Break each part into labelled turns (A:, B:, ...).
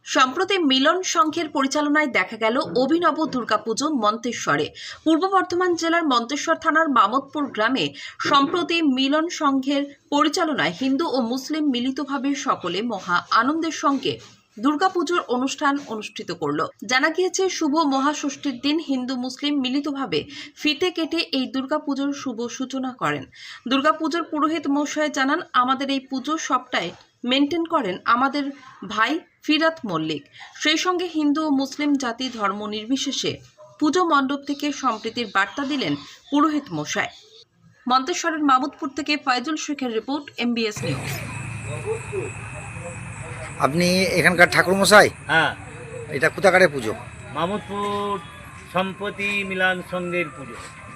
A: সম্প্রতি মিলন সংঘের পরিচালনায় দেখা গেল অভিনব দুর্গাপুজো মন্তেশ্বরে। পূর্ব বর্ধমান জেলার মন্তেশ্বর থানার মামদপুর গ্রামে সম্প্রতি মিলন সংঘের পরিচালনায় হিন্দু ও মুসলিম মিলিতভাবে সকলে মহা আনন্দের সঙ্গে দুর্গাপুজোর অনুষ্ঠান অনুষ্ঠিত করল। জানা গিয়েছে, শুভ মহাষষ্ঠীর দিন হিন্দু মুসলিম মিলিতভাবে ফিতে কেটে এই দুর্গাপুজোর শুভ সূচনা করেন। দুর্গাপুজোর পুরোহিত মশাই জানান, আমাদের এই পুজো সবটাই মেনটেন করেন আমাদের ভাই ফিরাত মল্লিক। সেই সঙ্গে হিন্দু ও মুসলিম জাতি ধর্ম নির্বিশেষে পুজো মণ্ডপ থেকে সম্প্রীতির বার্তা দিলেন পুরোহিত মশাই। মন্তেশ্বরের মামুদপুর থেকে ফয়জুল শেখের রিপোর্ট, MBS নিউজ।
B: আপনি এখানকার ঠাকুর মশাই?
C: হ্যাঁ,
B: এটা কোথাকারের পুজো?
C: মামুদপুর সম্প্রতি মিলন সংঘের পুজো।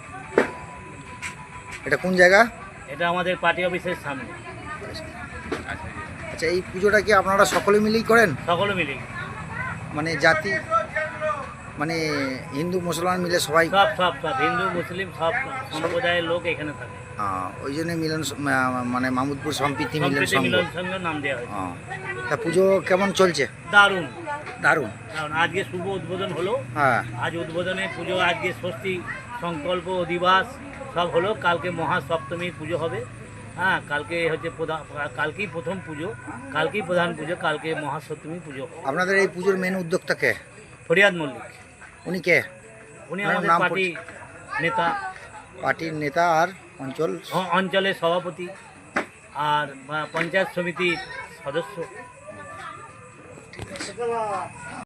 B: এটা কোন জায়গা?
C: এটা আমাদের পার্টি অফিসের সামনে।
B: আচ্ছা, এই পুজোটা কি আপনারা সকলে মিলেই করেন?
C: সকলে মিলে,
B: মানে জাতি, মানে হিন্দু মুসলমান মিলে সবাই?
C: সব সব সব হিন্দু মুসলিম সব সম্প্রদায়ের লোক এখানে থাকে।
B: ওই জন্য মিলন মানে মামুদপুর সম্প্রীতি মিলন
C: সম্প্রীতি
B: সংঘ।
C: মিলন সংঘের নাম দেওয়া হয়েছে।
B: তা পুজো কেমন চলছে?
C: দারুণ
B: দারুণ।
C: কারণ আজকে শুভ উদ্বোধন হলো।
B: হ্যাঁ,
C: আজ উদ্বোধনে পুজো, আজকে ষষ্ঠী সংকল্প অধিবাস সব হলো। কালকে মহাসপ্তমীর পুজো হবে। হ্যাঁ, কালকে হচ্ছে কালকেই প্রথম পুজো, কালকেই প্রধান পুজো, কালকে মহাসপ্তমী পুজো।
B: আপনাদের এই পুজোর মেন উদ্যোক্তা কে?
C: ফরিয়াদ মল্লিক,
B: উনি কে?
C: উনি
B: ওনার
C: আমাদের
B: নাম
C: পার্টি নেতা,
B: পার্টির নেতা আর অঞ্চল
C: অঞ্চলের সভাপতি আর পঞ্চায়েত সমিতির সদস্য।